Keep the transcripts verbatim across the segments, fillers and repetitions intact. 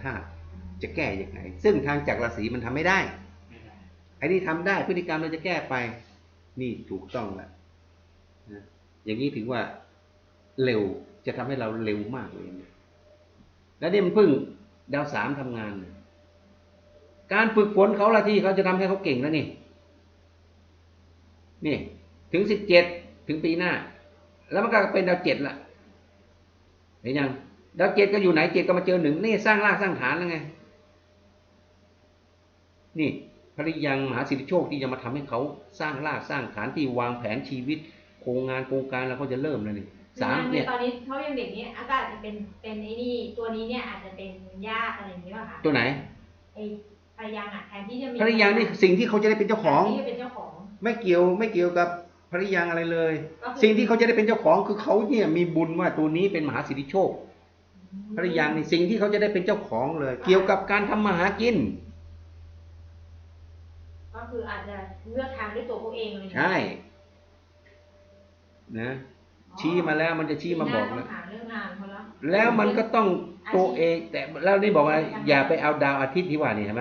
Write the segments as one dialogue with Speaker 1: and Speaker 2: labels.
Speaker 1: ธาตุจะแก้ยังไงซึ่งทางจักรราศีมันทำไม่ได้ไอ้นี่ทำได้พฤติกรรมเราจะแก้ไปนี่ถูกต้องแล้วนะอย่างนี้ถือว่าเร็วจะทำให้เราเร็วมากเลยนะแล้วนี่มันเพิ่งดาวสามทำงานการฝึกฝนเขาละที่เขาจะทำให้เขาเก่งแล้วนี่นี่ถึงสิบเจ็ดถึงปีหน้าแล้วมันก็เป็นดาวเจ็ดละเห็นยังดาวเจ็ดก็อยู่ไหนเจ็ดก็มาเจอหนึ่งนี่สร้างรากสร้างฐานแล้วไงนี่ภริยังมหาสิทธิโชคที่จะมาทำให้เขาสร้างรากสร้างฐานที่วางแผนชีวิตโครงงานโครงการแล้วเขาจะเริ่มแล้วนี่
Speaker 2: สามเนี่ยตอนนี้เขายังเด็กนี้อากาศจะเป็นเป็นไอ้นี่ตัวนี้เนี่ยอาจจะเป็นญาติอะไรอย่างนี้ป่ะคะ
Speaker 1: ตัวไหน
Speaker 2: ไอ้ภริยังอ่ะแทนที่จะมี
Speaker 1: ภริยังนี่สิ่งที่เขาจะได้เป็นเจ้าของ
Speaker 2: ที่จะเป็นเจ้าของ
Speaker 1: ไม่เกี่ยวไม่เกี่ยวกับภริยังอะไรเลยสิ่งที่เขาจะได้เป็นเจ้าของคือเขาเนี่ยมีบุญว่าตัวนี้เป็นมหาสิทธิโชคภริยังนี่สิ่งที่เขาจะได้เป็นเจ้าของเลยเกี่ยวกับการทำมาหากิน
Speaker 2: ก็คืออาจจะเลือกทางด้วยตัวเขาเองเลย
Speaker 1: ใช่นะชี้มาแล้วมันจะชี้มาบอกแล้วแล้วมันก็ต้องตัวเองแต่แล้วนี่บอกว่าอย่าไปเอาดาวอาทิตย์ที่ว่านี่ใช่ไหม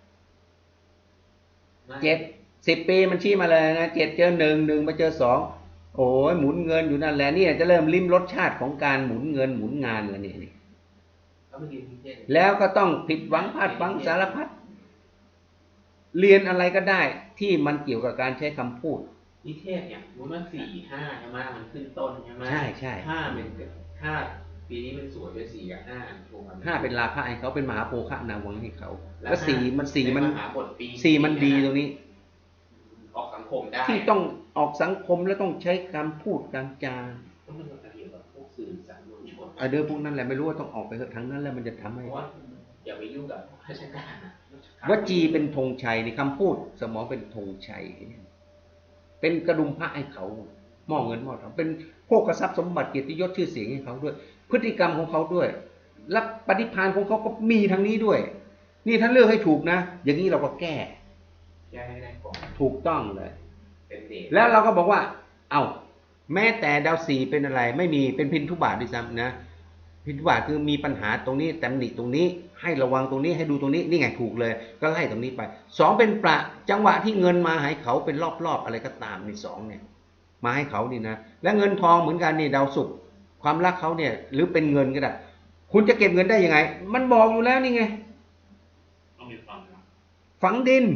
Speaker 1: เจ็ดสิบปีมันชี้มาเลยนะเจ็ดเจอหนึ่งหนึ่งมาเจอสองโอ้ยหมุนเงินอยู่นั่นแหละนี่จะเริ่มลิ้มรสชาติของการหมุนเงินหมุนงานแล้วนี่นี่แล้วก็ต้องผิดหวังพลาดหวังสารพัดเรียนอะไรก็ได้ที่มันเกี่ยวกับการใช้คำพูด
Speaker 3: นิเทศเนี่ยรู้ว่าสี่ห้าใช่ไหมมันขึ้นต้นใช่ไหม
Speaker 1: ใช่ใช่
Speaker 3: ห้าเป็นห้าปีนี้เป็นสวยเป็นสี่กับห้า
Speaker 1: ห้าเป็นราคะให้เขาเป็นมหาโภคะนาวังให้เขาแล้วสี่มันสี่มัน
Speaker 3: สี่
Speaker 1: มันดีตรงนี้
Speaker 3: ออกสังคมได้
Speaker 1: ที่ต้องออกสังคมแล้วต้องใช้การพูดการจา
Speaker 3: ต้องเป็นการเกี่ยวกับพวกสื่อสารมวลชน
Speaker 1: เออเดี๋ยวพวกนั้นแหละไม่รู้ว่าต้องออกไปเถอะทั้งนั้นแล้วมันจะทำให้
Speaker 3: อย่าไปยุ่งกับราชการ
Speaker 1: วจีเป็นธงชัยในคำพูดสมองเป็นธงชัยเป็นกระดุมพระให้เขาหม้อเงินหม้อทองเป็นโภคทรัพย์สมบัติเกียรติยศชื่อเสียงให้เขาด้วยพฤติกรรมของเขาด้วยและปฏิภาณของเขาก็มีทางนี้ด้วยนี่ถ้าเลือกให้ถูกนะอย่างนี้เราก็แก้
Speaker 3: แก้ให้ได้ก่อน
Speaker 1: ถูกต้องเลยแล้วเราก็บอกว่าเอ้าแม้แต่ดาวสี่เป็นอะไรไม่มีเป็นพินทุบาทด้วยซ้ำนะพินทุบาทคือมีปัญหาตรงนี้ตำหนิตรงนี้ให้ระวังตรงนี้ให้ดูตรงนี้นี่ไงถูกเลยก็ไล่ตรงนี้ไปสองเป็นประจังหวะที่เงินมาให้เขาเป็นรอบๆอะไรก็ตามในสองเนี่ยมาให้เขานี่นะและเงินทองเหมือนกันนี่ดาวศุกร์ความรักเขาเนี่ยหรือเป็นเงินก็ได้คุณจะเก็บเงินได้ยังไงมันบอกอยู่แล้วนี่ไงฝังดิน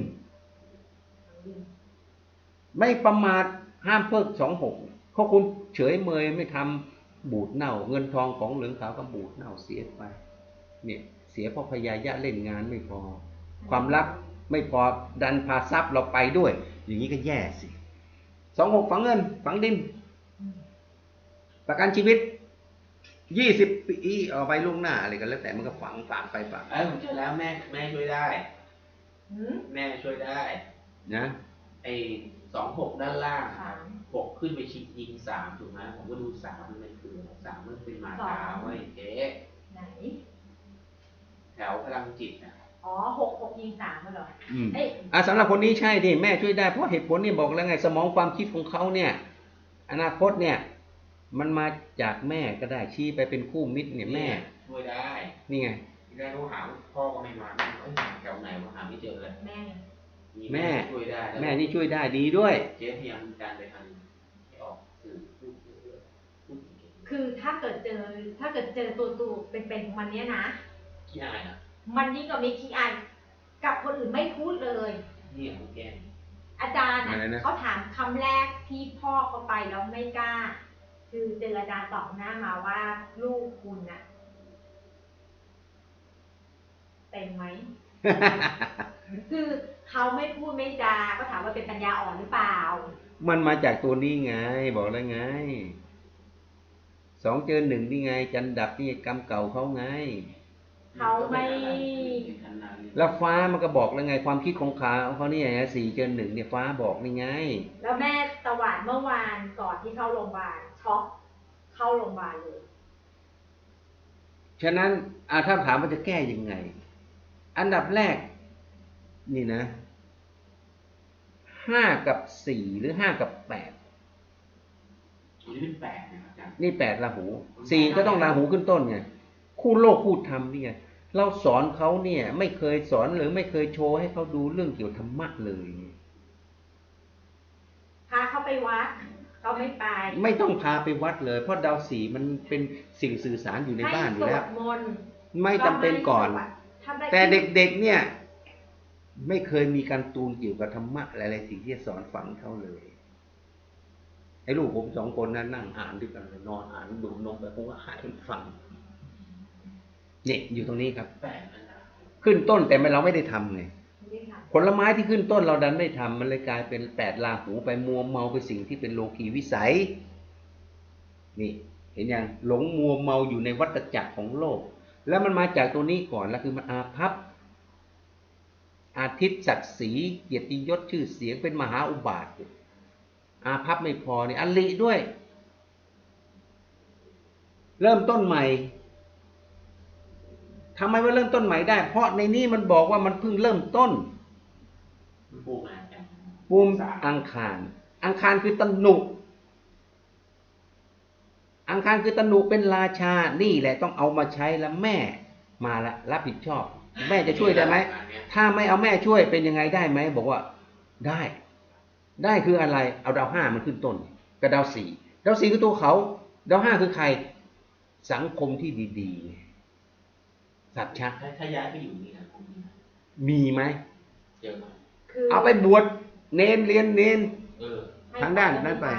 Speaker 1: ไม่ประมาทห้ามเพิกสองหกเพราะคุณเฉยเมยไม่ทำบูดเน่าเงินทองของเหลืองขาวก็บูดเน่าเสียไปเนี่ยเสียเพราะพยายะเล่นงานไม่พอความรักไม่พอดันพาทรัพย์เราไปด้วยอย่างนี้ก็แย่สิสองหกฝังเงินฝังดินประกันชีวิตยี่สิบปีเอาไปล่วงหน้าอะไรกันแล้วแต่มันก็ฝังฝังไปฝัง
Speaker 3: เออผมเจอแล้วแม่แม่ช่วยได้แม่ช่วยได้
Speaker 1: นะ
Speaker 3: ไอ้สองหกด้านล่างหกขึ้นไปชิงยิงสามถูกไหมผมก็ดูสามมันเป็นคือสามมันเป็นมาตาไว้เจ๊
Speaker 2: ไหน
Speaker 3: แถวพลังจิตนะ
Speaker 2: อ๋อหกหกยิงสามเหรอ
Speaker 1: อืมอ่าสำหรับคนนี้ใช่ดิแม่ช่วยได้เพราะเหตุผลนี่บอกแล้วไงสมองความคิดของเขาเนี่ยอนาคตเนี่ยมันมาจากแม่ก็ได้ชี้ไปเป็นคู่มิตรเนี่ยแม่
Speaker 3: ช่วยได้
Speaker 1: นี่ไง
Speaker 3: ที่ได้รู้หาพ่อก็ไม่มาเอ้ยแถวไหนวะหาไม่เจอเลย
Speaker 2: แม่
Speaker 1: แม่
Speaker 3: ช่วยได้
Speaker 1: แม่นี่ช่วยได้ดีด้วย
Speaker 3: เจ๊พยายามการไปทางให้ออกสื่อ
Speaker 2: คือถ้าเกิดเจอถ้าเกิดเจอตัวตัวเป็นๆของมันเนี้ยนะ
Speaker 3: ขี้อายนะ
Speaker 2: มันยิ่งกว่ามีขี้อายกับคนอื่นไม่พูดเลย
Speaker 3: นี่ของแก
Speaker 2: อาจารย์เขาถามคำแรกที่พ่อเขาไปแล้วไม่กล้าคือเจออาจารย์ตอบหน้ามาว่าลูกคุณน่ะเต็มไหม คือเขาไม่พูดไม่จาก็ถามว่าเป็นปัญญาอ่อนหรือเปล่า
Speaker 1: มันมาจากตัวนี้ไงบอกแล้วไงสองเจอหนึ่งนี่ไงจันดับนี่กรรมเก่าเขาไง
Speaker 2: เขาไม่
Speaker 1: แล้วฟ้ามันก็บอกแล้วไงความคิดของเขาเขาเนี่ยสี่เจอหนึ่งเนี่ยฟ้าบอกนี่ไง
Speaker 2: แล้วแม่ตะวันเมื่อวานก่อนที่เข้าโรงพยาบาลช็อกเข้าโรงพยาบาลเลย
Speaker 1: ฉะนั้นอาถ้าถามว่าจะแก้ยังไงอันดับแรกนี่นะห้ากับสี่หรือห้ากับแปด
Speaker 3: นี่เป็นแปดนะครับอาจารย์
Speaker 1: นี่แปดราหูสี่ก็ต้องราหูขึ้นต้นไงคู่โลกคู่ธรรมนี่ไงเราสอนเขาเนี่ย ไม่เคยสอนหรือไม่เคยโชว์ให้เขาดูเรื่องเกี่ยวกับธรรมะเลย
Speaker 2: พาเขาไปวัดเขาไม่ไป
Speaker 1: ไม่ต้องพาไปวัดเลย เพราะดาวสีมันเป็นสิ่งสื่อสารอยู่ในบ้านอยู่แล้ว
Speaker 2: ให้สวดมนต์
Speaker 1: ไม่จำเป็นก่อน
Speaker 2: ทำได้
Speaker 1: แต่เด็กๆเนี่ย ไม่เคยมีการตูนเกี่ยวกับธรรมะอะไรๆสิ่งที่จะสอนฝังเขาเลยไอ้ลูกผมสองคนนั้นนั่งอ่านด้วยกันเลยนอนอ่านดูนมไปผมก็หายมันฟังเนี่ยอยู่ตรงนี้ครับ
Speaker 3: แปลกนะ
Speaker 1: ขึ้นต้นแต่ไม่เราไม่ได้ทำไง
Speaker 2: ไม่ได้ท
Speaker 1: ผลไม้ที่ขึ้นต้นเราดันไม่ทำมันเลยกลายเป็นแปดลาหูไปมัวเมาไปสิ่งที่เป็นโลกีวิสัย นี่ เห็นยังหลงมัวเมาอยู่ในวัฏจักรของโลก แล้วมันมาจากตัวนี้ก่อนแล้วคือมันอาภัพอาทิตย์ศักดิ์ศรีเกียรติยศชื่อเสียงเป็นมหาอุบาทอยู่อาภัพไม่พอนี่อลิด้วย เริ่มต้นใหม่ทำไมว่าเริ่มต้นใหม่ได้ เพราะในนี้มันบอกว่ามันเพิ่งเริ่มต้น
Speaker 3: มันปลูกมาจาก
Speaker 1: ภูมิอังคาร อังคารคือตนุ อังคารคือตนุเป็นราชา นี่แหละต้องเอามาใช้แล้วแม่มาละรับผิดชอบ แม่จะช่วยได้ไหม ถ้าไม่เอาแม่ช่วยเป็นยังไงได้ไหม บอกว่าได้ ได้คืออะไร เอาดาวห้ามันขึ้นต้นกับดาวสี่ดาวสี่คือตัวเขา ดาวห้าคือใคร สังคมที่ดีๆ สัจฉะ
Speaker 3: ถ้าถ้าย้ายไปอยู่นี่นะผมมีนะ
Speaker 1: มีไหม
Speaker 3: เยอะมาก
Speaker 2: ำคือ
Speaker 1: เอาไปบวชเนนเรียนเนน
Speaker 3: เออ
Speaker 2: ให้
Speaker 1: ทางด้านนั้นไป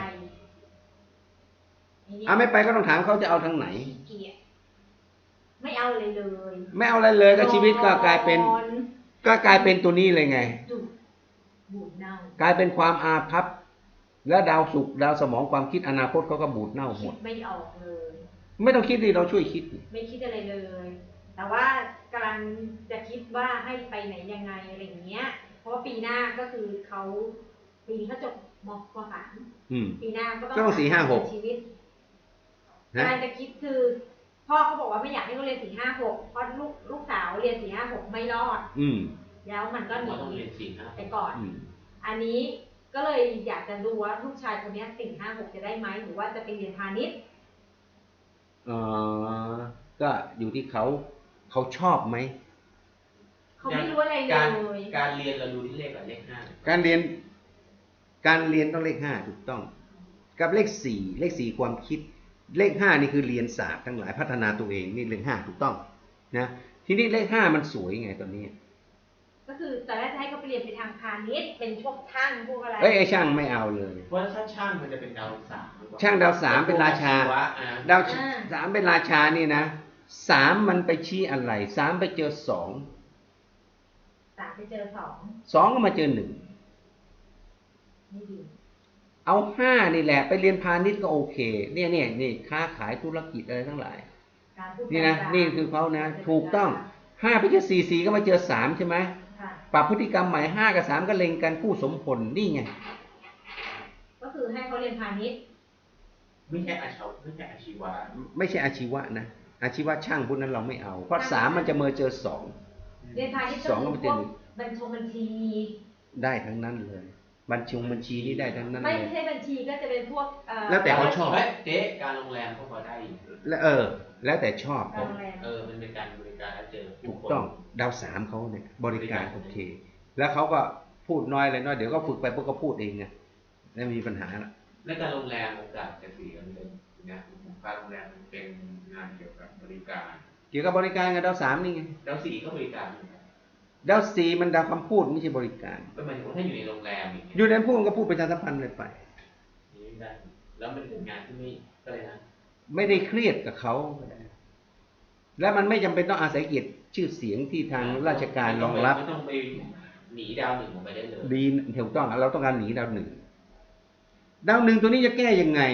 Speaker 2: ทีนี้
Speaker 1: เอาไม่ไปก็ต้องถามเขาจะเอาทางไหน
Speaker 2: ขี้เกียจไม่เอาเลยเลย
Speaker 1: ไม่เอาอะไรเลยก็ชีวิตก็กลายเป็น
Speaker 2: นอน
Speaker 1: ก็กลายเป็นตัวนี้เลยไง
Speaker 2: จุดบูดเน่าก
Speaker 1: ลายเป็นความอาภัพและดาวศุกร์ดาวสมองความคิดอนาคตเขาก็บูดเน่าห
Speaker 2: คิ
Speaker 1: ม
Speaker 2: ด
Speaker 1: ด
Speaker 2: ไม่ออกเลย
Speaker 1: ไม่ต้องคิดดิเราช่วยคิด
Speaker 2: ไม่คิดอะไรเลย แต่ว่ากำลังจะคิดว่าให้ไปไหนยังไงอะไรอย่างเงี้ย เพราะว่าปีหน้าก็คือเขาปีนี้เขาจบมปสาม
Speaker 1: อืม
Speaker 2: ปีหน้าก็ต้อง
Speaker 1: ก็ต้องสี่ห้าหก
Speaker 2: ชีวิต
Speaker 1: นะ
Speaker 2: กำลังจะคิดคือ พ่อเขาบอกว่าไม่อยากให้เขาเรียนสี่ห้าหกเพราะลูกลูกสาวเรียนสี่ห้าหกไม่รอด
Speaker 1: อืม
Speaker 2: แล้วมันก็หนี
Speaker 3: เราต้องเรียนสี่ห้า
Speaker 2: ไปก่อน
Speaker 1: อืม
Speaker 2: อันนี้ก็เลยอยากจะดูว่าลูกชายคนเนี้สี่ห้าหกจะได้ไหมหรือว่าจะไปเรียนพาณิชย์
Speaker 1: เอ่อก็อยู่ที่เขาเขาชอบไหม
Speaker 2: เขาไม่รู้อะไรเล
Speaker 3: การ
Speaker 2: ย
Speaker 3: การเรียนเราดูที่เลขอะไรเลขห้า
Speaker 1: การเรียน การเรียนต้องเลขห้าถูกต้อง กับเลขสี่เลขสี่ความคิด เลขห้านี่คือเรียนศาสตร์ทั้งหลายพัฒนาตัวเองนี่เลขห้าถูกต้อง นะทีนี้เลขห้ามันสวยไงตอนนี้
Speaker 2: ก็คือตอนแรกจะให้เขาไปเรียนไปทางพาณิชย์เป็นพวกช่างพวกอะไร
Speaker 1: เอ้ยไอ้ช่างไม่เอาเลย
Speaker 3: เพราะถ้าช่างมันจะเป็นดาวสามหรือเปล่
Speaker 1: ช่างดาวสามเป็นราชา
Speaker 3: วะอ่ะ
Speaker 1: ดาวสามเป็นราชานี่นะสามมันไปชี้อะไรสามไปเจอสอง
Speaker 2: สามไปเจอสอง
Speaker 1: สองก็มาเจอหนึ่ง
Speaker 2: ไม่ดี
Speaker 1: เอาห้านี่แหละไปเรียนพาณิชย์ก็โอเค เนี่ยเนี่ยนี่ค้าขายธุรกิจอะไรทั้งหลาย
Speaker 2: การพูด
Speaker 1: นี่นะ
Speaker 2: การจา
Speaker 1: นี่คือเขานะ ถูกต้องห้าไปเจอสี่สี่ก็มาเจอสามใช่ไหม
Speaker 2: ค่ะ
Speaker 1: ปรับพฤติกรรมใหม่ห้ากับสามก็เล็งกันคู่สมผลนี่ไง
Speaker 2: ก็คือให้เขาเรียนพาณิชย์
Speaker 3: ไม่ใช่อาชีวะไม่ใช่อาชีวะ
Speaker 1: ไม่ใช่อาชีวะนะอาชีวะช่างพวกนั้นเราไม่เอา เพราะสามมันจะเมอเจอสอง
Speaker 2: เรียนพาณิชย์
Speaker 1: สองก็
Speaker 2: ก็
Speaker 1: ไม่
Speaker 2: คือ
Speaker 1: เจ
Speaker 2: พ
Speaker 1: อ
Speaker 2: วกบัญชงบัญชี
Speaker 1: ได้ทั้งนั้นเลย บัญชีบัญชีนี่ได้ทั้งนั้น
Speaker 2: ไม่
Speaker 1: เลย
Speaker 2: ใช่บัญชีก็จะเป็นพวกเอ่อ
Speaker 1: แล้วแต่เขาชอบ
Speaker 3: เฮ้ยเจ๊การโรงแรมก็พอได้อยู่
Speaker 1: และเออ แล้วแต่ชอบ
Speaker 2: การโรงแรม
Speaker 3: เออมันเป็นการบริการแล้วเจอผู้
Speaker 1: ถูก
Speaker 3: คน
Speaker 1: ต้องดาวสามเขาเนี่ยบริการโอเค แล้วเขาก็พูดน้อยเลยน้อยเดี๋ยวก็ฝึกไปพวกก็พูดเองไงไม่มีปัญหาละ
Speaker 3: และการโรงแรมโอกาสจะเสียเลยนะการโรงแรมมันเป็นงานเกี่ยวกับบริการ
Speaker 1: เกี่ยวกับบริการกับดาวสามนี่ไง
Speaker 3: ดาวสี่ก็บริการเหมือนกัน
Speaker 1: ดาวสี่มันดาวคำพูดไม่ใช่บริการ
Speaker 3: ก็หมายถึงว่าถ้าอยู่ในโรงแรมอย่างเงี้ย
Speaker 1: อยู่ในพูดก็พูดประชาสัมพันธ์เลยไป
Speaker 3: นี่ได้แล้วมันเป็นงานที่ไม่ก็เลยนะ
Speaker 1: ไม่ได้เครียดกับเขาก็ได้แล้วมันไม่จำเป็นต้องอาศัยเกียรติชื่อเสียงที่ทางราชการรองรับ
Speaker 3: ไม่ต้องไปหนีดาวหนึ่งออกไปได้เลย
Speaker 1: ดีถูกต้องเราต้องการหนีดาวหนึ่งดาวหนึ่งตัวนี้จะแก้ยังไง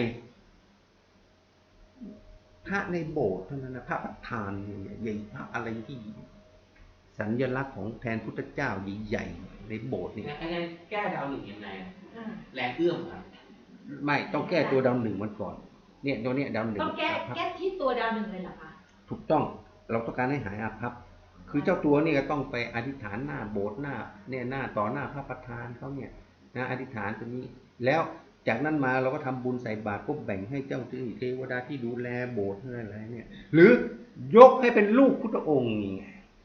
Speaker 1: พระในโบสถ์เท่านั้นนะพระประธานเนี่ยใหญ่พระอะไรที่สัญลักษณ์ของแทนพุทธเจ้าใหญ่ๆในโบสถ์นี่
Speaker 3: งั้นแก้ดาวหนึ่งยังไงอะ
Speaker 2: อ่า
Speaker 3: แรงเอื้อมครับ
Speaker 1: ไม่ต้องแก้ตัวดาวหนึ่งมันก่อน เนี่ยตัวเนี้ยดาวหนึ่ง
Speaker 2: ต้องแก้
Speaker 1: อาภัพ
Speaker 2: แก้ที่ตัวดาวหนึ่งเลยเหรอคะ
Speaker 1: ถูกต้องเราต้องการให้หายอาภัพคือเจ้าตัวนี่ก็ต้องไปอธิษฐานหน้าโบสถ์หน้าเนี่ยหน้าต่อหน้าพระประธานเขาเนี่ยนะอธิษฐานตัวนี้ แล้วจากนั้นมาเราก็ทำบุญใส่บาตรก็แบ่งให้เจ้าที่เทวดาที่ดูแลโบสถ์อะไรเนี่ย หรือยกให้เป็นลูกพุทธองค์นี่ไง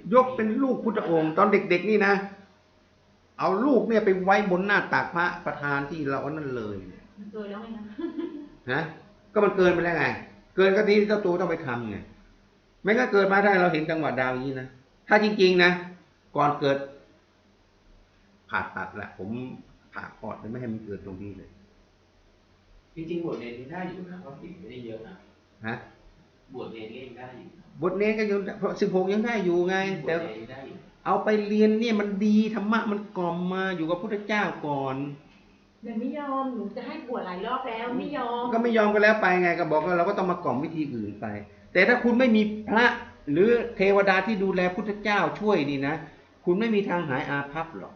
Speaker 1: ยกเป็นลูกพุทธองค์ตอนเด็กๆนี่นะเอาลูกเนี่ยไปไว้บนหน้าตักพระประธานที่เราเอานั่นเลย
Speaker 2: มันเกินแล้วไงนะ
Speaker 1: นะก็มันเกินไปแล้วไงเกินก็ที่เจ้าตัวต้องไปทำไงไม่ก็เกิดมาได้เราเห็นจังหวะดาวอย่างนี้นะถ้าจริงๆนะก่อนเกิดผ่าตัดแหละผมผ่าคลอดไม่ให้มันเกิดตรงนี้เลย
Speaker 3: จริงๆบทเรียนนี้ได้อยู่นะเพราะผิดไม่ได้เยอะนะ
Speaker 1: ฮะ
Speaker 3: บทเรียนก็ยังได้อยู่นะ
Speaker 1: บทเนรก็ยังเพราะสิบหกยังได้อยู่ไง
Speaker 3: บท
Speaker 1: แต่
Speaker 3: เรียนยังได้อยู่
Speaker 1: เอาไปเรียนเนี่ยมันดีธรรมะมันกล่อมมาอยู่กับพุทธเจ้าก่อน
Speaker 2: เดี๋ยวไม่ยอมหนูจะให้บวชหลายรอบแล้วไม่ยอม
Speaker 1: ก็ไม่ยอมก็แล้วไปไงก็บอกว่าเราก็ต้องมากล่อมวิธีอื่นไป แต่ถ้าคุณไม่มีพระหรือเทวดาที่ดูแลพุทธเจ้าช่วยนี่นะคุณไม่มีทางหายอาภัพหรอก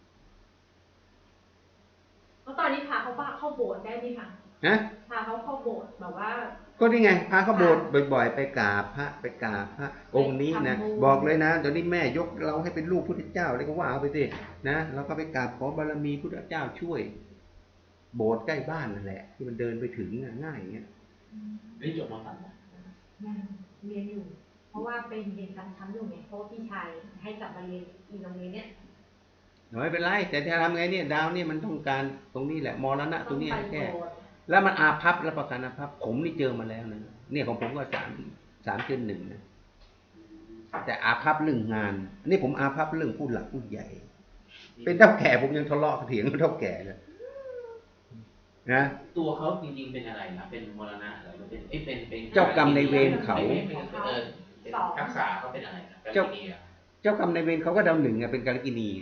Speaker 2: แล้วตอนนี้พาเขาบ้าเข้าโบสถ์ได้ไหมคะ
Speaker 1: นะ
Speaker 2: พาเขาเข้าโบสถ์แบบว่า
Speaker 1: ก็นี่ไงพาเขาโบสถ์บ่อย ๆ ไปกราบพระไปกราบพระองค์นี้นะ
Speaker 2: ทำบุญ
Speaker 1: บอกเลยนะตอนนี้แม่ยกเราให้เป็นลูกพุทธเจ้าเลยก็ว่าเอาไปสินะเราก็ไปกราบขอบารมีพุทธเจ้าช่วย โบสถ์ใกล้บ้านนั่นแหละ ที่มันเดินไปถึงน่ะง่ายอย่างเงี้ย
Speaker 3: ได้จบมาสามนะ
Speaker 2: ยังเรียนอยู่ เพราะว่าเป็นเรียนชั้นๆอยู่ไงเพราะว่าพี่ชายให้กลับมาเรียนอีกโรงเรียนเนี้ย
Speaker 1: ไม่เป็นไรแต่จะทำไงเนี่ยดาวเนี่ยมันต้องการตรงนี้แหละมรณะตรงนี้
Speaker 2: ต้องไป
Speaker 1: แค่
Speaker 2: โบสถ์
Speaker 1: แล้วมันอาภัพแล้วประกันอาภัพผมนี่เจอมาแล้วนะเนี่ยของผมก็สามสามเนหนึ่งนะแต่อาภัพเรื่องงานอันนี้ผมอาภัพเรื่องผู้หลักผู้ใหญ่ เป็นเท่าแก่ผมยังทะเลาะเถียงกับเท่าแก่เลยนะ
Speaker 3: ตัวเขาจริงๆเป็นอะไรนะเป็นมรณะอะไรหรือเป็นเอ้ยเป็นเป็น
Speaker 1: เจ้ากรรมในายเวรเขา
Speaker 3: ไม่ไม่เป็นเออเป็นทักษะเขาเป็นอะไรนะการ
Speaker 1: เจ้า
Speaker 3: กินีอะ
Speaker 1: เจ้ากรรมนายเวรเขาก็ดาวหนึ่งไงเป็นกาลกินี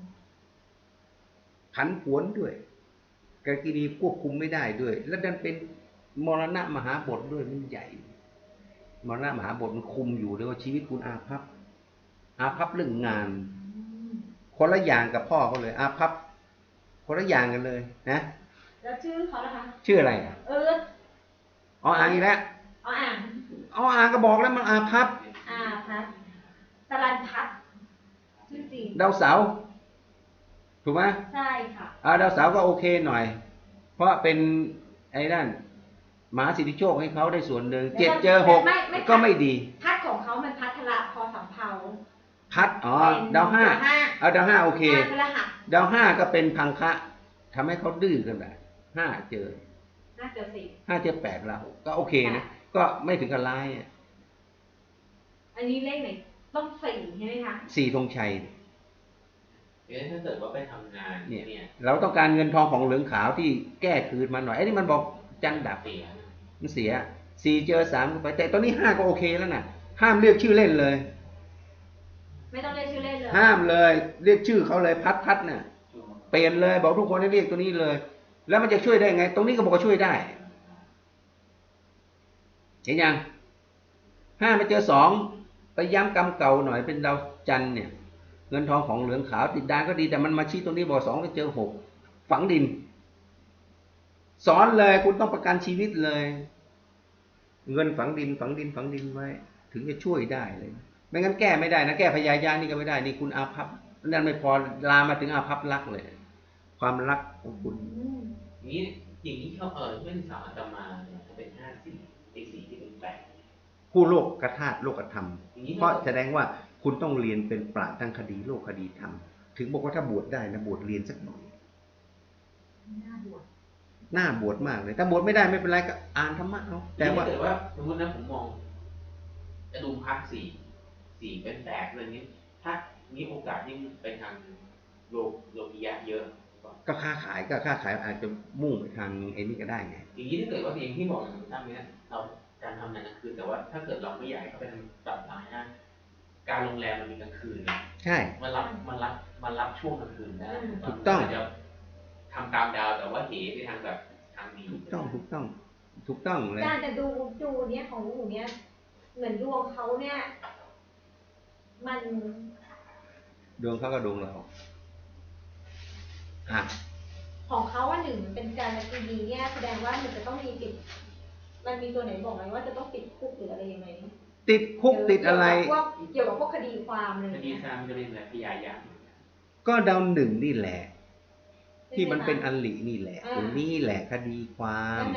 Speaker 1: ผันผวนด้วยกาลกินีควบคุมไม่ได้ด้วย แล้วดันเป็นมรณะมหาบทด้วยมันใหญ่ มรณะมหาบทมันคุมอยู่เลยว่าชีวิตคุณอาภัพอาภัพเรื่องงาน คนละอย่างกับพ่อเขาเลย อาภัพคนละอย่างกันเลยนะ
Speaker 2: แล้วชื่อเขาล่ะคะ
Speaker 1: ชื่ออะไรอ่ะ
Speaker 2: เออ
Speaker 1: อ๋ออ่างอีกแล้ว
Speaker 2: เอาอ่าน
Speaker 1: อ๋ออ่างก็บอกแล้วมันอาภัพ
Speaker 2: อ่าพัดสลันพัดชื่อจริง
Speaker 1: ดาวเสาร์ถูกไหม
Speaker 2: ใช่ค่ะ
Speaker 1: อ่าดาวเสาร์ก็โอเคหน่อย เพราะเป็นไอ้นั่นมหาสิทธิโชคให้เขาได้ส่วนหนึ่งเจ็ดเจอหกก็ไม่ดี
Speaker 2: พัดของเขามันพัทละพอสำเภา
Speaker 1: พัดอ๋อ
Speaker 2: เป็น
Speaker 1: ดาวห้า
Speaker 2: ดาวห้า
Speaker 1: เอาดาวห้าโอเค
Speaker 2: ห้าพฤหัส
Speaker 1: ดาวห้าก็เป็นพังคะทำให้เขาดื้อกันแบบห้าเจอ
Speaker 2: น่าเจอสี่
Speaker 1: ห้าเจอแปดเราก็โอเคนะก็ไม่ถึงกับร้ายอะ
Speaker 2: อันนี้เลขไหนต้องสี่ใช่ไหมคะ
Speaker 1: สี่ธงชัย
Speaker 3: เดี๋ยวถ้าเกิดว่าไปทำงาน
Speaker 1: เนี่ย
Speaker 3: เนี่ย
Speaker 1: เราต้องการเงินทองของเหลืองขาวที่แก้คืนมาหน่อยไอ้นี่มันบอกจันดับ
Speaker 3: เสีย
Speaker 1: มันเสียสี่เจอสามก็ไปแต่ตอนนี้ห้าก็โอเคแล้วนะห้ามเรียกชื่อเล่นเลย
Speaker 2: ไม่ต้องเรียกชื่อเล่นเลย
Speaker 1: ห้ามเลยเรียกชื่อเขาเลยพัดพัดน่ะเปลี่ยนเลยบอกทุกคนให้เรียกตัวนี้เลย แล้วมันจะช่วยได้ไง ตรงนี้ก็บอกว่าช่วยได้เห็นยังห้ามาเจอสองไปย้ำกรรมเก่าหน่อยเป็นดาวจันทร์เนี่ย เงินทองของเหลืองขาวติดดานก็ดีแต่มันมาชี้ตรงนี้บอกสองไปเจอหกฝังดิน สอนเลยคุณต้องประกันชีวิตเลย เงินฝังดินฝังดินฝังดินไว้ถึงจะช่วยได้เลยไม่งั้นแก้ไม่ได้นะแก้พยายานี่ก็ไม่ได้นี่คุณอาภัพนั่นไม่พอลามมาถึงอาภัพรักเลย ความรักของคุณ
Speaker 2: อืม
Speaker 3: อย่างนี้อย่างนี้เขาเออเพื่อนสาวอาตมาเนี่ยเขาเป็นห้าสี่ไอ้สี่ที่เป็นแปด
Speaker 1: ผู้โลกกระธาตุโลกธรรม
Speaker 3: อย่างนี้
Speaker 1: เพราะแสดงว่าคุณต้องเรียนเป็นปราชญ์ทางคดีโลกคดีธรรมถึงบอกว่าถ้าบวชได้นะบวชเรียนสักหน่อย
Speaker 2: น่าบวช
Speaker 1: หน้าบวชมากเลยถ้าบวชไม่ได้ไม่เป็นไรก็อ่านธรรมะเอาแต่
Speaker 3: แต่ว่า
Speaker 1: ว่า
Speaker 3: เกิดว่าสมมตินะผมมองจะดูพักสี่สี่เป็นแปดอะไรนี้ ถ้ามีโอกาสยิ่งไปทางโลกโลกียะเยอะ
Speaker 1: ก็ค้าขายก็ค้าขายอาจจะมุ่งไปทางไอ้นี่ก็ได้ไง
Speaker 3: อย่างนี้ถ้าเกิดว่าอย่างที่บอกอย่างตั้งเนี้ยเราการทำงานกลางคืนแต่ว่าถ้าเกิดเราไม่อยากให้เขาเป็นตัดสายนะการโรงแรมมันมีกลางคืนนะ
Speaker 1: ใช่
Speaker 3: มันรับมันรับมันรับช่วงกลางคืนได้
Speaker 1: ถูกต้อง
Speaker 3: มันจะทำตามดาวแต่ว่าเหไปทางแบบทางดี
Speaker 1: ถูกต้องถูกต้อง ถูกต้องเลย
Speaker 2: การจะดูดูเนี้ยของหนูเนี้ยเหมือนดวงเขาเนี่ย มัน
Speaker 1: ดวงเขาก็ดวงเราอ่ะ
Speaker 2: ของเขาว่าหนึ่งเป็นการละดีเนี่ยแสดงว่ามันจะต้องมีติด มันมีตัวไหนบอกไหมว่าจะต้องติดคุกหรืออะไรยังไง
Speaker 1: ติดคุกติดอะไร
Speaker 2: เกี่ยวกับพวกเกี่ยวกับพวกคดีความอะไรอ
Speaker 3: ค
Speaker 2: ย่าง
Speaker 3: ดี
Speaker 2: เงี้ย
Speaker 3: ทางจะเป็นแบบพยายาม
Speaker 1: ก็ดาวหนึ่งนี่แหละ ที่มันเป็น
Speaker 2: ใช่ไห
Speaker 1: อันหลีนี่แหละ
Speaker 2: อ่า
Speaker 1: ตรงนี้แหละคดีความ
Speaker 2: นั่นน่ะ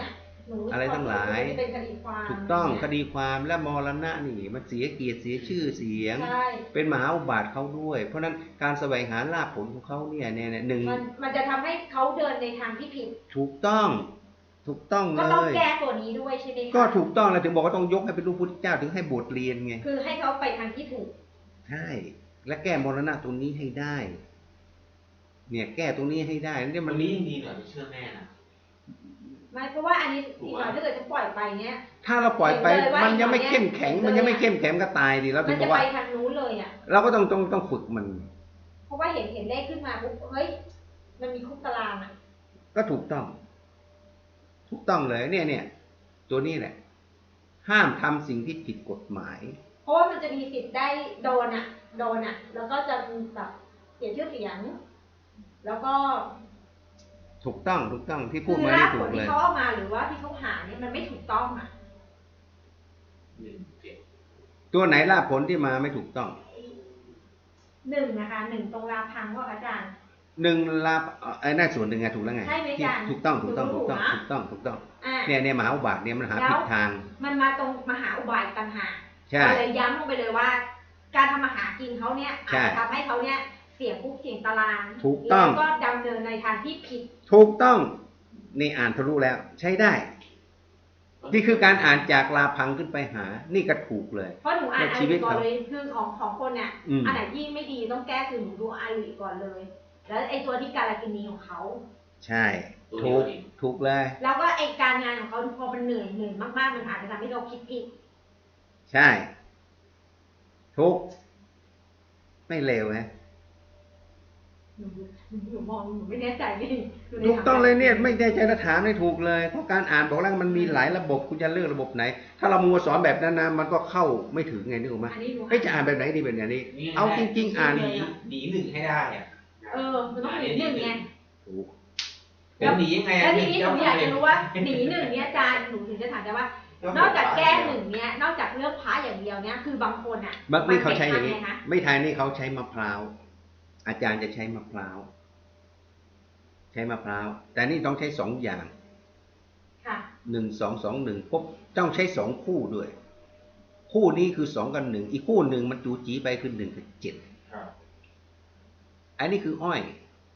Speaker 2: หนู
Speaker 1: อะไรทั้งหลาย
Speaker 2: เป็นคดีความ
Speaker 1: ถูกต้อง
Speaker 2: ย่า
Speaker 1: ค
Speaker 2: เย
Speaker 1: ดีความและมรณะนี่มันเสียเกียรติเสียชื่อเสียง
Speaker 2: ใช่
Speaker 1: เป็นมหาอุบาทเขาด้วย เพราะฉะนั้นการแสวงหาลาภผลของเขาเนี่ยเนี่ยเนี่ยหนึ่ง
Speaker 2: มันมันจะทำให้เขาเดินในทางที่ผิด
Speaker 1: ถูกต้องถูกต้องเล
Speaker 2: ก็ต้อง
Speaker 1: ย
Speaker 2: แก้ตัวนี้ด้วยใช่ไหมคะ
Speaker 1: ก็ถูกต้องแล้วถึงบอกว่าต้องยกให้เป็นลูกพุทธเจ้าถึงให้บทเรียนไง
Speaker 2: คือให้เขาไปทางที่ถูก
Speaker 1: ใช่ และแก้มรณะตรงนี้ให้ได้ เนี่ยแก้ตรงนี้ให้ได้เนี่ย
Speaker 3: วั
Speaker 1: มัน
Speaker 3: นนี้ยังดีหน่อยไม่เชื่อแม่นะ
Speaker 2: ไม่เพราะว่าอันนี้อีกหน่อยถ้าเกิดจะปล่อยไปเนี้ย
Speaker 1: ถ้าเราปล่อยไป
Speaker 2: เห็นเลยว่า
Speaker 1: มันยังไม่
Speaker 2: อีกหน่อย
Speaker 1: เข้มแข็ง
Speaker 2: เนี่ย
Speaker 1: มันยังไม่เข้มแข็งก็ตายดิเรา
Speaker 2: มั
Speaker 1: ถึ
Speaker 2: น
Speaker 1: งบ
Speaker 2: จะ
Speaker 1: อก
Speaker 2: ไป
Speaker 1: ว่า
Speaker 2: ทางนู้นเลยอ่ะ
Speaker 1: เราก็ต้องต้องต้องฝึกมัน
Speaker 2: เพราะว่าเห็นเห็นเลขขึ้นมาปุ๊บเฮ้ยมันมีคุกตารางอ่ะ
Speaker 1: ก็ถูกต้อง ถูกต้องเลยเนี่ยเนี่ยตัวนี้แหละ ห้ามทำสิ่งที่ผิดกฎหมาย
Speaker 2: เพราะว่ามันจะมีสิทธิ์ได้โดนอ่ะ โดนอ่ะ แล้วก็จะแบบเสียชื่อเสียง แล้วก็
Speaker 1: ถูกต้องถูกต้องที่พู
Speaker 2: คื
Speaker 1: ด
Speaker 2: อ
Speaker 1: มา
Speaker 2: รา
Speaker 1: นี่
Speaker 2: ก
Speaker 1: ถู
Speaker 2: ผ
Speaker 1: ก
Speaker 2: ล
Speaker 1: เล
Speaker 2: ที่
Speaker 1: ย
Speaker 2: เขาเอามาหรือว่าที่เขาหาเนี่ยมันไม่ถูกต้องอ่ะ
Speaker 3: หนึ่งเจ็ด
Speaker 1: ตัวไหนล่าผลที่มาไม่ถูกต้อง
Speaker 2: หนึ่งนะคะหนึ่งตรงราพังว่าอาจารย์
Speaker 1: หนึ่งลาไอ้นั่นส่วนหนึ่งไงถูกแล้วไง
Speaker 2: ใช่ไหม
Speaker 1: ที่
Speaker 2: อาจารย์
Speaker 1: ถูกต้องถูกต้อง
Speaker 2: ถู
Speaker 1: ถู
Speaker 2: ก
Speaker 1: กต้อง
Speaker 2: นะ
Speaker 1: ถูกต้องถูกต้อง
Speaker 2: อ่า
Speaker 1: เนี่ยเนี่ยมหาอุบาทเนี่ยมันหา
Speaker 2: แล้ว
Speaker 1: ผิดทาง
Speaker 2: มันมาตรงมหาอุบายต่างหาก
Speaker 1: ใช่
Speaker 2: ก็เลยย้ำลงไปเลยว่า การทำมาหากินเขาเนี่ยอาจ
Speaker 1: ใช่
Speaker 2: จะทำให้เขาเนี่ยเสี่ยงคุกเสี่ยงตาราง
Speaker 1: ถูกต้อง
Speaker 2: แล้วก็ดำเนินในทางที่ผิด
Speaker 1: ถูกต้องนี่อ่านทะลุแล้ว ใช้ได้ นี่คือการอ่านจากลาพังขึ้นไปหา นี่ก็ถูกเลย
Speaker 2: เพราะหนูอ่าน
Speaker 1: ใน
Speaker 2: อา
Speaker 1: ชีวิ
Speaker 2: ลี
Speaker 1: ต
Speaker 2: ก่อน
Speaker 1: เขา
Speaker 2: เลยคือของของคนเนี่ย
Speaker 1: อืม
Speaker 2: อันไหนที่ไม่ดีต้องแก้คือหนูดูอาลีก่อนเลย แล้วไอ้ตัวที่การากินีของเขา
Speaker 1: ใช่ ถูกถูกเลย
Speaker 2: แล้วก็ไอ้การงานของเขาพอมันเหนื่อยเหนื่อยมากๆมันอาจจะทำให้เราคิดผิด
Speaker 1: ใช่ ถูก ไม่เลวนะ
Speaker 2: หนูหนูมองหนูไม่แน่ใจนี่หนู
Speaker 1: ถูกต้องเลยเนี่ย
Speaker 2: ถา
Speaker 1: ไม่ได้ใจถามไม่ถูกเลยเพราะการอ่านบอกแล้วมันมีหลายระบบคุณจะเลือกระบบไหน ถ้าเรามัวสอนแบบนั้นนะมันก็เข้าไม่ถึงไงนึกออกไหม
Speaker 2: อันนี้หนู
Speaker 1: เฮ้ยจะอ่านแบบไหนดีแบบไหนดีเอาจริง ๆ อ่าน
Speaker 3: หนีหนีหนึ่งให้ได้อะ
Speaker 2: เออมันต้องหนีหนึ่งไง
Speaker 1: ถูก
Speaker 3: เป็นหนียังไง
Speaker 2: แล้วทีนี้หนูอยากจะรู้ว่าหนีหนึ่งเนี่ยอาจารย์หนูถึงจะถามได้ว่า นอกจากแก้หนึ่งเนี่ยนอกจากเลือกพระอย่างเดียวเนี่ยคือบางคนอ่ะ
Speaker 1: บางทีเขาใช้อย่างนี้
Speaker 2: นี้คะ
Speaker 1: ไม่ไทยนี่เขาใช้มะพร้าว อาจารย์จะใช้มะพร้าว ใช้มะพร้าว แต่นี่ต้องใช้สองอย่าง
Speaker 2: ค่ะ
Speaker 1: หนึ่งสองสองหนึ่งปุ๊บต้องใช้สองคู่ด้วย คู่นี้คือสองกับหนึ่งอีกคู่หนึ่งมันจูจีไปคือหนึ่งกับเจ็ด
Speaker 3: ครับ
Speaker 1: อันนี้คืออ้อย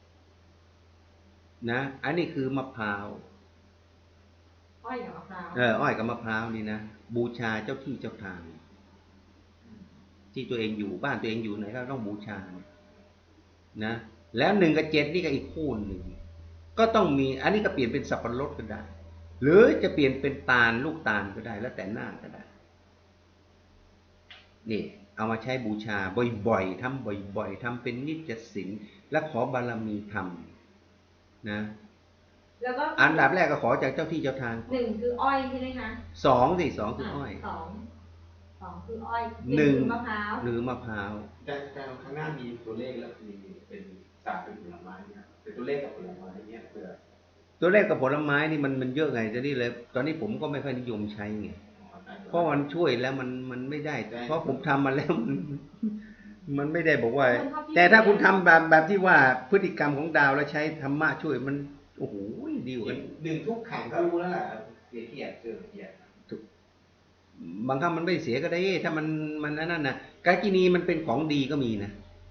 Speaker 1: นะ อันนี้คือมะพร้าว
Speaker 2: อ้อยกับมะพร้าว
Speaker 1: เอออ้อยกับมะพร้าวนี่นะบูชาเจ้าที่เจ้าทาง ที่ตัวเองอยู่บ้านตัวเองอยู่ไหนก็ต้องบูชานะแล้วหนึ่งกับเจ็ดนี่ก็อีกคู่หนึ่งก็ต้องมีอันนี้ก็เปลี่ยนเป็นสับปะรดก็ได้ หรือจะเปลี่ยนเป็นตาลลูกตาลก็ได้ แล้วแต่หน้าก็ได้นี่เอามาใช้บูชาบ่อยๆทำบ่อยๆทำเป็นนิจศีลและขอบารมีธรรมนะ
Speaker 2: แล้วก็
Speaker 1: อันดับแรกก็ขอจากเจ้าที่เจ้าทาง
Speaker 2: หนึ่งคืออ้อยใช่ไหมคะ
Speaker 1: สองสิสองคืออ้อย
Speaker 2: สองสองคืออ้อย
Speaker 1: หนึ่ง
Speaker 2: คือมะพร้าว
Speaker 1: หรือมะพร้าว
Speaker 3: แต่แต่ข้างหน้ามีตัวเลขแล้วมีเป็นศาสตร์เป็นผลไม้เนี่ยเป็นตัวเลขกับผลไม้เนี่ยเพื่อ
Speaker 1: ตัวเลขกับผลไม้นี่มันมันเยอะไงจะนี่เลย ตอนนี้ผมก็ไม่ค่อยนิยมใช้ไง เพราะมันช่วยแล้วมันมันไม่ได้ เพราะผมทำมาแล้วมันมันไม่ได้บอกว่า แต่ถ้าคุณทำแบบแบบที่ว่าพฤติกรรมของดาวแล้วใช้ธรรมะช่วยมันโอ้โหดีกว่ากัน
Speaker 3: หนึ่งทุกขังก็รู้แล้วแหละเสียเกียรติเสื่อมเกียรติ
Speaker 1: บางครั้งมันไม่เสียก็ได้ ถ้ามันมันนั่นนะกากินีมันเป็นของดีก็มีนะ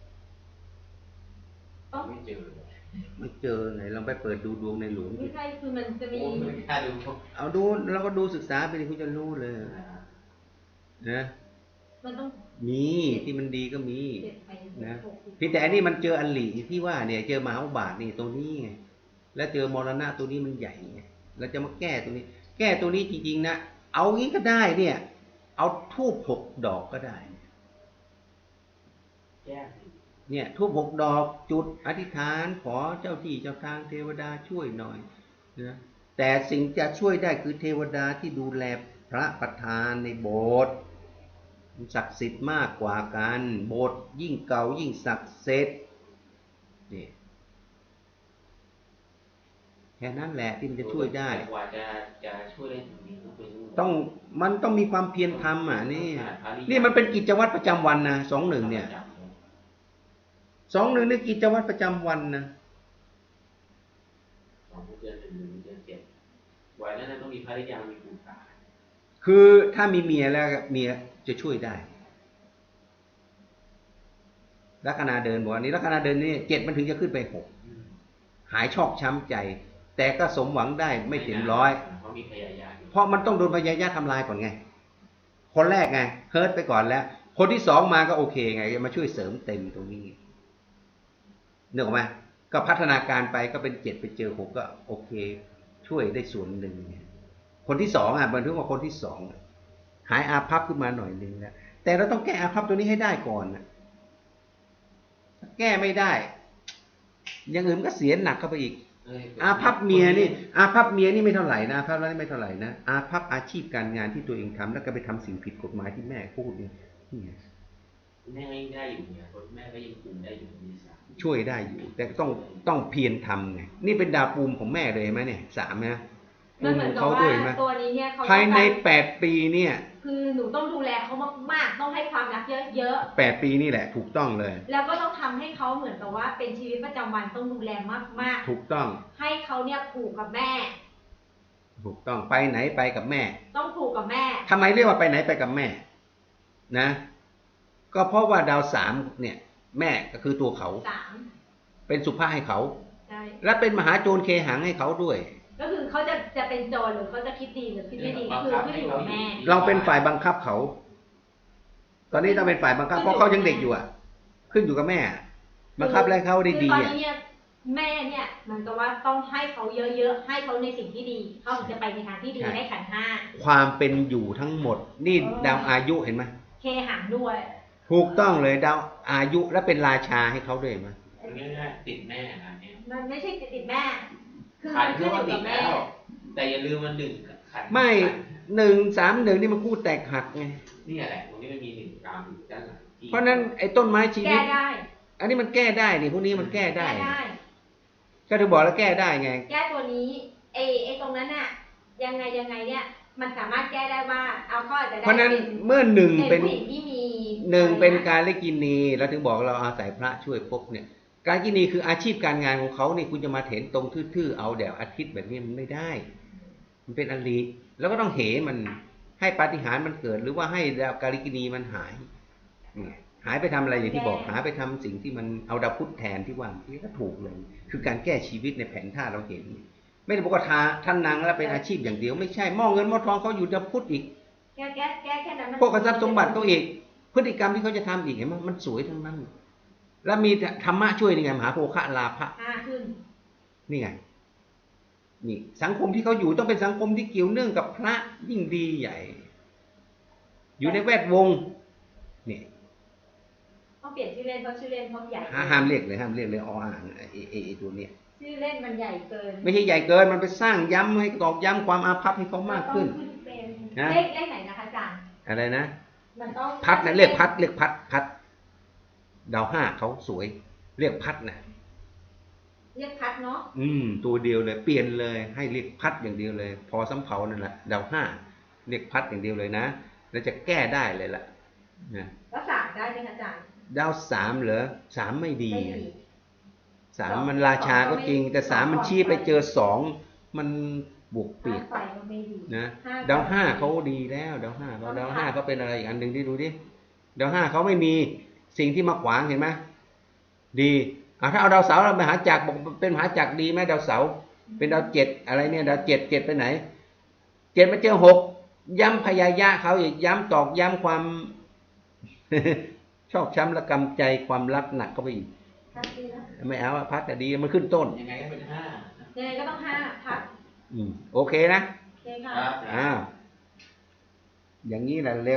Speaker 2: ต้อง
Speaker 3: ไม่เจอ
Speaker 1: ไม่เจอไหนลองไปเปิดดูดวงในหลวง
Speaker 2: ไม่ใช่คือมันจะมี
Speaker 3: โอ้ไม่กล้าดู
Speaker 1: เอาดูแล้วก็ดูศึกษาไปเลยคุณจะรู้เลยนะ
Speaker 2: มันต้อง
Speaker 1: มีที่มันดีก็มี
Speaker 2: เจ็ดไป
Speaker 1: นะ
Speaker 2: หกสิบ
Speaker 1: เพียงแต่อันนี้มันเจออันหลีที่ว่าเนี่ยเจอมหาอุบาทนี่ตรงนี้ไงแล้วเจอมรณะตัวนี้มันใหญ่ไงเราจะมาแก้ตัวนี้ แก้ตัวนี้จริงๆนะเอางี้ก็ได้เนี่ย เอาทูบหกดอกก็ได้
Speaker 3: แก้
Speaker 1: เนี่ยทูบหกดอกจุดอธิษฐานขอเจ้าที่เจ้าทางเทวดาช่วยหน่อยนะแต่สิ่งจะช่วยได้คือเทวดาที่ดูแลพระประธานในโบสถ์ศักดิ์สิทธิ์มากกว่ากันโบสถ์ยิ่งเก่ายิ่งศักดิ์สิทธิ์นี่แค่นั้นแหละที่มันจะช่วยได้
Speaker 3: กว่าจะจะช่วยได้ถึงนี้ต้องเป็น
Speaker 1: ต้องมันต้องมีความเพียรทำอ่ะนี่นี่มันเป็นกิจวัตรประจำวันนะสองหนึ่งเนี่ยสองหนึ่งนี่กิจวัตรประจำวันนะ
Speaker 3: สองเดือนหนึ่งหนึ่งเดือนเจ็ดไว้แล้วนั้นต้องมีภรรยามีคุณตา
Speaker 1: คือถ้ามีเมียแล้วเมียจะช่วยได้ลัคนาเดินบอกว่านี้ลัคนาเดินนี่เจ็ดมันถึงจะขึ้นไปหกหายชอกช้ำใจ แต่ก็สมหวังได้ไม่ถึงร้อย
Speaker 3: เพราะมีพยายาม
Speaker 1: เพราะมันต้องโดนพยายามทำลายก่อนไงคนแรกไงเฮิร์ตไปก่อนแล้วคนที่สองมาก็โอเคไงมาช่วยเสริมเต็มตรงนี้นึกออกไหมก็พัฒนาการไปก็เป็นเจ็ดไปเจอหกก็โอเคช่วยได้ส่วนหนึ่งคนที่สองอ่ะบันทึกว่าคนที่สองหายอาภัพขึ้นมาหน่อยนึงแล้วแต่เราต้องแก้อาภัพตัวนี้ให้ได้ก่อนนะแก้ไม่ได้อย่างอื่นก็เสียหนักเข้าไปอีกอาภัพเมียนี่อาภัพเมียนี่ไม่เท่าไหร่นะอาภัพแล้วนี่ไม่เท่าไหร่นะอาภัพอาชีพการงานที่ตัวเองทำแล้วก็ไปทำสิ่งผิดกฎหมายที่แม่พูดนี่
Speaker 3: แม่ก็ยังได้อยู่เนี่ยคนแม่ก็ยังคุมได้อยู่มีสาม
Speaker 1: ช่วยได้อยู่ แต่ต้องต้องเพียรทำไงนี่เป็นดาวปูมของแม่เลยไหมเนี่ยสามนะปู
Speaker 2: มัน
Speaker 1: ม
Speaker 2: เหมื
Speaker 1: ข
Speaker 2: อ
Speaker 1: อน ง
Speaker 2: กับ
Speaker 1: เขา
Speaker 2: ว่า
Speaker 1: ด้วยไหม
Speaker 2: ตัวนี้เนี่ยเขา
Speaker 1: ภายใน
Speaker 2: ต้องการ
Speaker 1: แปดปีเนี่ย
Speaker 2: คือหนูต้องดูแลเขามากๆต้องให้ความรักเยอะ
Speaker 1: แปดปีนี่แหละถูกต้องเลย
Speaker 2: ๆแล้วก็ต้องทำให้เขาเหมือนกับว่าเป็นชีวิตประจำวันต้องดูแลมาก
Speaker 1: ถูกต้อง
Speaker 2: ๆให้เขาเนี่ยผูกกับแม่
Speaker 1: ถูกต้องไปไหนไปกับแม่
Speaker 2: ต้องผูกกับแม่
Speaker 1: ทำไมเรียกว่าไปไหนไปกับแม่นะ ก็เพราะว่าดาวสามเนี่ย แม่ก็คือตัวเขา
Speaker 2: สาม
Speaker 1: เป็นสุภาพให้เขา
Speaker 2: ใช่
Speaker 1: และเป็นมหาโจรเคหังให้เขาด้วย
Speaker 2: ก็คือเขาจะจะเป็นโจรหรือเขาจะคิดดีหรือคิดไม่ดีก็คือขึ้นอยู่กับแม่
Speaker 1: เราเป็นฝ่ายบังคับเขา ตอนนี้ต้องเป็นฝ่ายบังคับเพราะเขายังเด็กอยู่อ่ะ ขึ้นอยู่กับแม่ บังคับแล้วเขาได้ดี
Speaker 2: คือตอน
Speaker 1: อ่ะ
Speaker 2: นี้เนี่ยแม่เนี่ยเหมือนกับว่าต้องให้เขาเยอะๆให้เขาในสิ่งที่ดีเขาถึงจะไปในทางที่ดีให้ขันธ์ห้า
Speaker 1: ความเป็นอยู่ทั้งหมด นี่ดาวอายุเห็นไหม
Speaker 2: เคหังด้วย
Speaker 1: ถูกต้องเลยดาวอายุและเป็นราชาให้เขาด้วยมั้ย
Speaker 3: ง่ายๆติดแม่นะเนี่ย
Speaker 2: มันไม่ใช่ติดแม่ คือ
Speaker 3: ขั
Speaker 2: มัน น
Speaker 3: ก็
Speaker 2: ขึ้นอยู่
Speaker 3: ติ
Speaker 2: กั
Speaker 3: ด
Speaker 2: บ
Speaker 3: แล้
Speaker 2: แม่
Speaker 3: ว แต่อย่าลืมมันหนึ่งขัน
Speaker 1: ไม่หนึ่งสามหนึ่งนี่มันคู่แตกหักไง
Speaker 3: นี่แหละตรงนี้มันมีหนึ่งกรรมอยู่ด้านหลังที่
Speaker 1: เพราะนั้นไอ้ต้นไม้ชีวิ
Speaker 2: แก้
Speaker 1: ต
Speaker 2: ได้
Speaker 1: อันนี้มันแก้ได้นี่พวกนี้มันแก้ได้
Speaker 2: แก้ได้
Speaker 1: ก็ถึงบอกแล้วแก้ได้ไง
Speaker 2: แก้ตัวนี้ไอ้ไอ้ตรงนั้นน่ะยังไงยังไงเนี่ยมันสามารถแก้ได้ว่าเอาเขาอาจจะได้
Speaker 1: เพราะนั้น
Speaker 2: เป็น
Speaker 1: เมื่อหนึ่ง
Speaker 2: เป็
Speaker 1: เป็น น
Speaker 2: ผู้หญิงที่มี
Speaker 1: หนึ่งเป็น
Speaker 2: อะไระ
Speaker 1: การเลกินีเราถึงบอกเราอาศัยพระช่วยพบเนี่ย การกินีคืออาชีพการงานของเขาเนี่ยคุณจะมาเถนตรงทื่อๆเอาแดดอาทิตย์แบบนี้มันไม่ได้ มันเป็นอลีแล้วก็ต้องเหมันให้ปาฏิหาริย์มันเกิด หรือว่าให้ดาวการกินีมันหายเนี่ยหายไปทำอะไรอย่างที่บอกหายไปทำสิ่งที่มันเอาดาวพุธแทนที่ว่าที่ก็ถูกเลย คือการแก้ชีวิตในแผนท่าเราเห็น ไม่ได้บอกว่าทาท่านนางแล้วเป็นอาชีพอย่างเดียวไม่ใช่หม้อเงินหม้อทองเขาอยู่ดาวพุธอีก
Speaker 2: แก้แก้แก้แค่นั้นมัน
Speaker 1: พวกกทรัพย์สมบัติเขาอีกพฤติกรรมที่เขาจะทำอีกเห็นไหมมันสวยทั้งนั้น แล้วมีธรรมะช่วยนี่ไงมหาโภคะลาภะ
Speaker 2: ห้าขึ้น
Speaker 1: นี่ไงนี่สังคมที่เขาอยู่ต้องเป็นสังคมที่เกี่ยวเนื่องกับพระยิ่งดีใหญ่ อยู่ในแวดวงนี่
Speaker 2: ต้องเปลี่ยนชื่อเล่นเพราะชื่อเล่นเขาใหญ่
Speaker 1: ห้ามเรียกเลยห้ามเรียกเลยออ่างไอไอไอตัวเนี้ย
Speaker 2: ชื่อเล่นมันใหญ่เกิน
Speaker 1: ไม่ใช่ใหญ่เกินมันไปสร้างย้ำให้ตอกย้ำความอาภัพให้เขามากขึ้น
Speaker 2: ต้องขึ้นเป็น
Speaker 1: นะ
Speaker 2: เลขเลขไหนนะคะอาจารย์
Speaker 1: อะไรนะ
Speaker 2: มันต้อง
Speaker 1: พัดนะเรียกพัดเรียกพัดพัดดาวห้าเขาสวย เรียกพัดนะ
Speaker 2: เรียกพัดเนาะ
Speaker 1: อืมตัวเดียวเลยเปลี่ยนเลยให้เรียกพัดอย่างเดียวเลย พอสำเภานั่นแหละดาวห้าเรียกพัดอย่างเดียวเลยนะแล้วจะแก้ได้เลยล่ะนะ
Speaker 2: แล้วสามได้ไหมคะอาจารย์
Speaker 1: ดาวสามเหรอสามไม่ดี
Speaker 2: ไม่ดี
Speaker 1: สามมันราชาก็จริง แต่สามมันชี้ไปเจอสองมันบวกเปียก
Speaker 2: ห้าไฟก็ไม่ดี
Speaker 1: นะ
Speaker 2: ห้
Speaker 1: ดาวห้าเขาดีแล้วดาวห้าเขาดาวห้าเขาเป็นอะไรอีกอันหนึ่งที่ดูดิดาวห้าเขาไม่มีสิ่งที่มาขวางเห็นไหมดีอ่ะถ้าเอาดาวเสาร์เราไปหาจักรบอกเป็นมหาจักรดีไหมดาวเสาร์เป็นดาวเจ็ดอะไรเนี่ยดาวเจ็ดเจ็ดไปไหนเจ็ดมาเจอหกย้ำพยายะเขาอีกย้ำตอกย้ำความ ชอกช้ำระกำใจความรักหนักเข้าไปอีก
Speaker 2: พัดดีนะ
Speaker 1: ไม่เอาอะพัดแต่ดีมันขึ้นต้น
Speaker 3: ยังไงก็เป็นห้า
Speaker 2: ยังไงก็ต้องห้าพัด
Speaker 1: อืมโอเคนะ
Speaker 2: โอเคค่ะ
Speaker 3: ครับ
Speaker 1: อ้าวอย่างนี้แหละเร็ว